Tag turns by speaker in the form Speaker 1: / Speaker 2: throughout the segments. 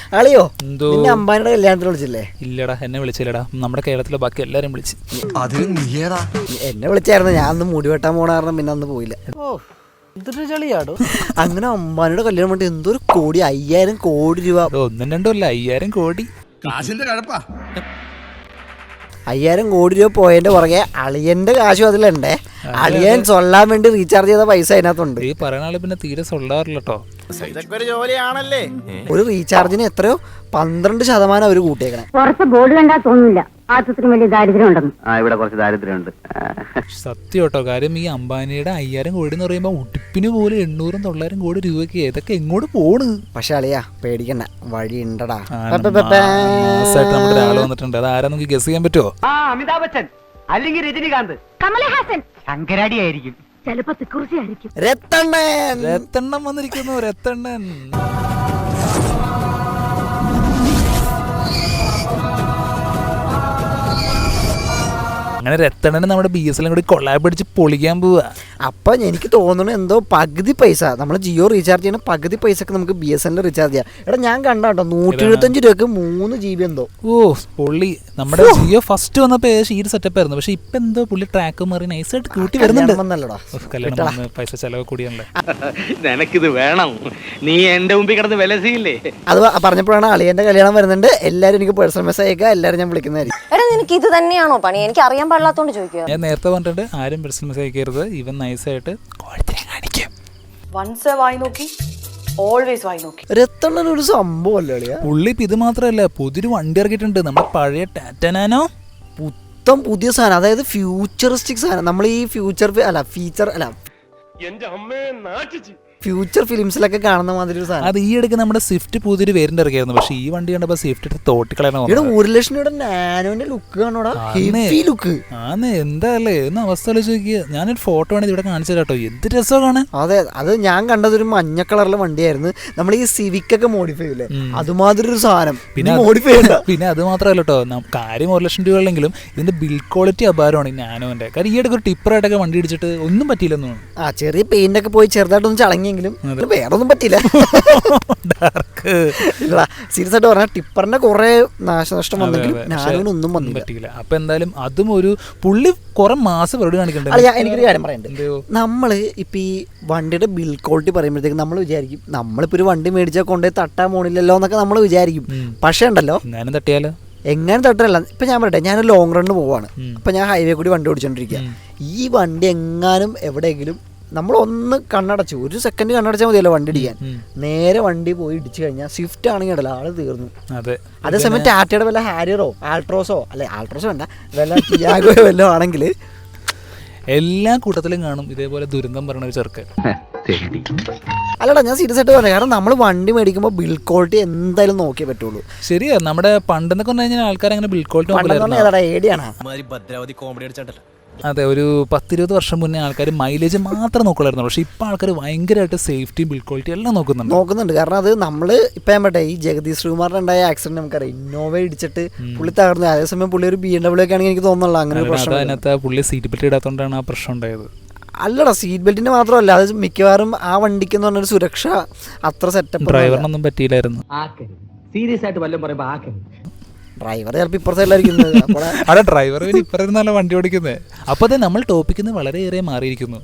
Speaker 1: അളിയോ നിന്നെ അമ്പാനിയുടെ കല്യാണത്തിന് വിളിച്ചില്ലേ?
Speaker 2: ഇല്ലടാ, എന്നെ വിളിച്ചില്ലടാ. നമ്മുടെ കേരളത്തിലെ ബാക്കി എല്ലാരും വിളിച്ചു.
Speaker 1: എന്നെ വിളിച്ചായിരുന്നു. ഞാൻ അന്ന് മുടി വെട്ടാൻ പോണ കാരണം പിന്നെ അന്ന് പോയില്ല. എന്തൊരു ചളിയാടോ. അങ്ങനെ അമ്പാനിയുടെ കല്യാണം വേണ്ടി എന്തൊരു കോടി, 5000 കോടി രൂപ.
Speaker 2: ഒന്നും രണ്ടും അല്ല, 5000 കോടി.
Speaker 1: 5000 കോടി രൂപ പോയതിന്റെ പുറകെ അളിയന്റെ കാശും അതിലുണ്ടേ. അളിയൻ സൊല്ലാൻ വേണ്ടി റീചാർജ് ചെയ്ത പൈസ അതിനകത്തുണ്ട്.
Speaker 2: ഈ പറയുന്ന ആള് പിന്നെ തീരെ സൊല്ലാറില്ല കേട്ടോ.
Speaker 1: ഒരു റീചാർജിന് എത്രയോ 12% അവര് കൂട്ടിയേക്കണേ.
Speaker 3: പുറത്ത് ബോർഡ് കണ്ടാ തോന്നില്ല ആത്രത്തിന് വലിയ ദാരിദ്ര്യം ഉണ്ടെന്ന്.
Speaker 4: ഇവിടെ കുറച്ച് ദാരിദ്ര്യമുണ്ട്.
Speaker 2: സത്യം കേട്ടോ. കാര്യം ഈ അംബാനിയുടെ 5000 കോടി എന്ന് പറയുമ്പോ ഉടുപ്പിന് പോലും 800-900 കോടി രൂപയ്ക്ക് ഏതൊക്കെ എങ്ങോട്ട് പോണ്.
Speaker 1: പക്ഷെ അളിയാ പേടിക്കണ്ട, വഴി ഉണ്ടടാ.
Speaker 2: നമ്മുടെ ഒരാൾ വന്നിട്ടുണ്ട്. അത് ആരാ നമുക്ക് ഗസ് ചെയ്യാൻ പറ്റുമോ?
Speaker 4: അമിതാഭ് ബച്ചൻ അല്ലെങ്കിൽ രജനികാന്ത്,
Speaker 3: കമലഹാസൻ,
Speaker 4: ശങ്കരാടി ആയിരിക്കും,
Speaker 3: ചിലപ്പോ തിക്കുറിശി ആയിരിക്കും.
Speaker 2: രത്തണ്ണൻ വന്നിരിക്കുന്നു. രത്തണ്ണൻ അങ്ങനെ രത്തണ്ണന് നമ്മുടെ BSNL കൂടി കൊള്ളാബ് അടിച്ച് പൊളിക്കാൻ പോവാ.
Speaker 1: അപ്പൊ എനിക്ക് തോന്നുന്നു എന്തോ പകുതി പൈസ നമ്മൾ ജിയോ റീചാർജ് ചെയ്യണ പകുതി പൈസക്ക് നമുക്ക് BSNL റീചാർജ് ചെയ്യാം. എടാ ഞാൻ കണ്ടോ 175 രൂപക്ക് 3 GB എന്തോ.
Speaker 2: ഓ പൊള്ളി. നമ്മുടെ ജിയോ ഫസ്റ്റ് വന്നപ്പോ ഈ സെറ്റപ്പ് ആയിരുന്നു. പക്ഷെ ഇപ്പൊ എന്തോ പുള്ളി ട്രാക്ക് മാറി നൈസായിട്ട് കൂട്ടി വരുന്നുണ്ട്. കല്യാണം പൈസ ചെലവ് കൂടിയാണല്ലേ.
Speaker 4: നിനക്കിത് വേണം, നീ എന്റെ മുമ്പിൽ കിടന്ന് വിലസിയില്ലേ.
Speaker 1: അത് പറഞ്ഞപ്പോഴാണ് അളിയന്റെ കല്യാണം വരുന്നുണ്ട്. എല്ലാരും എനിക്ക് പേഴ്സണൽ മെസ്സേജ് അയക്കുക, എല്ലാരും ഞാൻ വിളിക്കുന്നതായിരിക്കും.
Speaker 5: എടാ നിനക്ക് ഇത് തന്നെയാണോ പണി? എനിക്ക് അറിയാൻ പാടില്ലാത്തോണ്ട് ചോദിക്കുക.
Speaker 2: ഞാൻ നേരത്തെ പറഞ്ഞിട്ടുണ്ട്, ആരും പേഴ്സണൽ മെസ്സേജ് അയക്കരുത്. ഇവൻ നൈസായിട്ട് കാണിക്കും.
Speaker 6: വൺസ് വായി നോക്കി ഓൾവേസ് വായി നോക്കി.
Speaker 1: രത്തണ്ണൻ ഒരു സംഭവം അല്ലേ അളിയാ.
Speaker 2: പുള്ളി ഇപ്പൊ ഇത് മാത്രല്ല, പുതിയൊരു വണ്ടി ഇറക്കിയിട്ടുണ്ട്. നമ്മുടെ പഴയ ടാറ്റ നാനോ.
Speaker 1: പുത്തം പുതിയ സാധനം, അതായത് ഫ്യൂച്ചറിസ്റ്റിക് സാധനം. നമ്മൾ ഈ ഫ്യൂച്ചർ ഫിലിംസിലൊക്കെ കാണുന്ന മാതിരി ഒരു സാധനം.
Speaker 2: അത് ഈ ഇടയ്ക്ക് നമ്മുടെ സ്വിഫ്റ്റ് പുതിയൊരു വേരിയന്റ് ഇറക്കിയായിരുന്നു. പക്ഷെ ഈ വണ്ടി കണ്ടപ്പോ സ്വിഫ്റ്റ് തോട്ടിക്കളയാൻ
Speaker 1: 1 ലക്ഷം രൂപയുടെ നാനോന്റെ ലുക്ക് കാണോടാ. ഹെവി ലുക്ക്
Speaker 2: ആന്ന്. എന്താല്ലേ എന്ന അവസ്ഥ ചോദിക്കുക. ഞാനൊരു ഫോട്ടോ വേണേ ഇവിടെ കാണിച്ചു തരാട്ടോ. എന്ത് രസമാണ്.
Speaker 1: അതെ, അത് ഞാൻ കണ്ടത് ഒരു മഞ്ഞ കളറിലെ വണ്ടിയായിരുന്നു. നമ്മൾ ഈ സിവിക് ഒക്കെ മോഡിഫൈ ചെയ്യില്ലേ, അതുമാതിരി ഒരു സാധനം.
Speaker 2: പിന്നെ അത് മാത്രമല്ല കേട്ടോ, കാര്യം 1 ലക്ഷം രൂപ ഉള്ളെങ്കിലും ഇതിന്റെ ബിൽഡ് ക്വാളിറ്റി അപാരമാണ് ഈ നാനോന്റെ. കാര്യം ഈ ഇടയ്ക്ക് ഒരു ടിപ്പറായിട്ടൊക്കെ വണ്ടി ഇടിച്ചിട്ട് ഒന്നും പറ്റിയില്ലെന്നു.
Speaker 1: ചെറിയ പെയിന്റ് ഒക്കെ പോയി ചെറുതായിട്ടൊന്നും ചളങ്ങിയെങ്കിലും വേറൊന്നും പറ്റില്ല. സീരിയസ് ആയിട്ട് പറഞ്ഞാൽ ടിപ്പറിന്റെ കുറെ നാശനഷ്ടം വന്നെങ്കിലും നാനോനൊന്നും പറ്റില്ല.
Speaker 2: അപ്പൊ എന്തായാലും അതും ഒരു പുള്ളി കുറെ മാസം പരിപാടി കാണിക്കണ്ടേ.
Speaker 1: എനിക്കൊരു കാര്യം പറയണ്ട്. നമ്മള് ഇപ്പൊ ഈ വണ്ടിയുടെ ബിൽഡ് ക്വാളിറ്റി പറയുമ്പോഴത്തേക്ക് നമ്മൾ വിചാരിക്കും നമ്മളിപ്പോ ഒരു വണ്ടി മേടിച്ചാൽ കൊണ്ടുപോയി തട്ടാൻ പോണില്ലല്ലോ എന്നൊക്കെ നമ്മൾ വിചാരിക്കും. പക്ഷെ ഉണ്ടല്ലോ, എങ്ങനെ തട്ടല്ല. ഇപ്പൊ ഞാൻ പറയട്ടെ, ഞാൻ ലോങ് റണ്ണിന് പോവാണ്. അപ്പൊ ഞാൻ ഹൈവേ കൂടി വണ്ടി ഓടിച്ചോണ്ടിരിക്കുക. ഈ വണ്ടി എങ്ങാനും എവിടെയെങ്കിലും നമ്മളൊന്ന് കണ്ണടച്ചു, 1 സെക്കൻഡ് കണ്ണടച്ചാൽ മതിയല്ലോ വണ്ടി ഇടിക്കാൻ. നേരെ വണ്ടി പോയി ഇടിച്ചു കഴിഞ്ഞാൽ സ്വിഫ്റ്റ് ആണെങ്കിൽ ഉണ്ടല്ലോ ആള് തീർന്നു. അതേസമയം ടാറ്റയുടെ വല്ല ഹാരിയറോ ആൾട്രോസോ വേണ്ട, വല്ല ടിയാഗോയോ വല്ലതും ആണെങ്കിൽ
Speaker 2: എല്ലാ കൂട്ടത്തിലും കാണും ഇതേപോലെ ദുരന്തം പറഞ്ഞ ഒരു ചെറുക്കൻ.
Speaker 1: അല്ലടാ, ഞാൻ സീരിയസ് ആയിട്ട് പറയാം. കാരണം നമ്മൾ വണ്ടി മേടിക്കുമ്പോൾ ബിൽഡ് ക്വാളിറ്റി എന്തായാലും നോക്കിയേ പറ്റുള്ളൂ.
Speaker 2: ശരിയാ. നമ്മുടെ പണ്ടെന്നൊക്കെ പറഞ്ഞു കഴിഞ്ഞാൽ ആൾക്കാർ അങ്ങനെ ബിൽഡ് ക്വാളിറ്റി
Speaker 1: ഏതാടാ ഏടിയാണ്.
Speaker 2: അതെ, ഒരു 10-20 വർഷം മുന്നേ ആൾക്കാർ മൈലേജ് മാത്രം നോക്കുള്ളായിരുന്നു. പക്ഷെ ഇപ്പൊ ആൾക്കാർ ഭയങ്കരമായിട്ട് സേഫ്റ്റി ബിൽഡ് ക്വാളിറ്റി എല്ലാം നോക്കുന്നുണ്ട്. കാരണം അത് നമ്മള് ഇപ്പൊ ഞാൻ പറയട്ടെ, ഈ ജഗദീഷ് ശ്രീകുമാറിന് ഉണ്ടായ ആക്സിഡന്റ് നമുക്കറിയാം. ഇന്നോവ ഇടിച്ചിട്ട് പുള്ളി തകർന്നു. അതേസമയം പുള്ളി ഒരു BMW ഒക്കെ ആണെങ്കിൽ എനിക്ക് തോന്നുന്നില്ല അങ്ങനെ ഒരു പ്രശ്നം. അതിനകത്ത് പുള്ളി സീറ്റ് ബെൽറ്റ് ഇടാത്തോണ്ടാണ് ആ പ്രശ്നം ഉണ്ടായത്.
Speaker 1: അല്ലടാ, സീറ്റ് ബെൽറ്റിന്റെ മാത്രമല്ല, അത് മിക്കവാറും ആ വണ്ടിക്ക് എന്ന് പറഞ്ഞൊരു സുരക്ഷ അത്ര സെറ്റപ്പ്.
Speaker 2: ഡ്രൈവറിനൊന്നും പറ്റിയില്ലായിരുന്നു.
Speaker 4: സീരിയസ് ആയിട്ട് വല്ലതും പറയുമ്പോ
Speaker 1: ഡ്രൈവർ ചിലപ്പോൾ ഇപ്പുറത്തെല്ലായിരിക്കും.
Speaker 2: അവിടെ ഡ്രൈവർ ഇപ്പുറത്തുനിന്നല്ല വണ്ടി ഓടിക്കുന്നത്. അപ്പൊ അതെ, നമ്മൾ ടോപ്പിക്കിൽ വളരെയേറെ മാറിയിരിക്കുന്നു.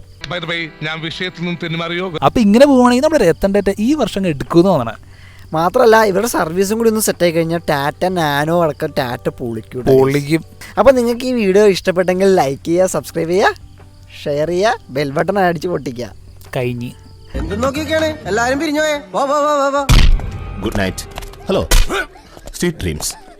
Speaker 2: അപ്പൊ ഇങ്ങനെ പോവുകയാണെങ്കിൽ നമ്മുടെ രത്തൻ ടാറ്റ ഈ വർഷം എടുക്കുമെന്ന് തോന്നണം.
Speaker 1: മാത്രമല്ല, ഇവരുടെ സർവീസും കൂടി ഒന്ന് സെറ്റ് ആയി കഴിഞ്ഞാൽ ടാറ്റ നാനോ അടക്കം ടാറ്റ പൊളിക്കും. അപ്പൊ നിങ്ങൾക്ക് ഈ വീഡിയോ ഇഷ്ടപ്പെട്ടെങ്കിൽ ലൈക്ക് ചെയ്യുക, സബ്സ്ക്രൈബ് ചെയ്യുക, ഷെയർ ചെയ്യുക, ബെൽ ബട്ടൺ അടിച്ച് പൊട്ടിക്കുക.
Speaker 2: കഴിഞ്ഞ്
Speaker 7: എന്ത് നോക്കിയൊക്കെയാണ് എല്ലാരും പിരിഞ്ഞോയേ. Good night. Hello, sweet dreams.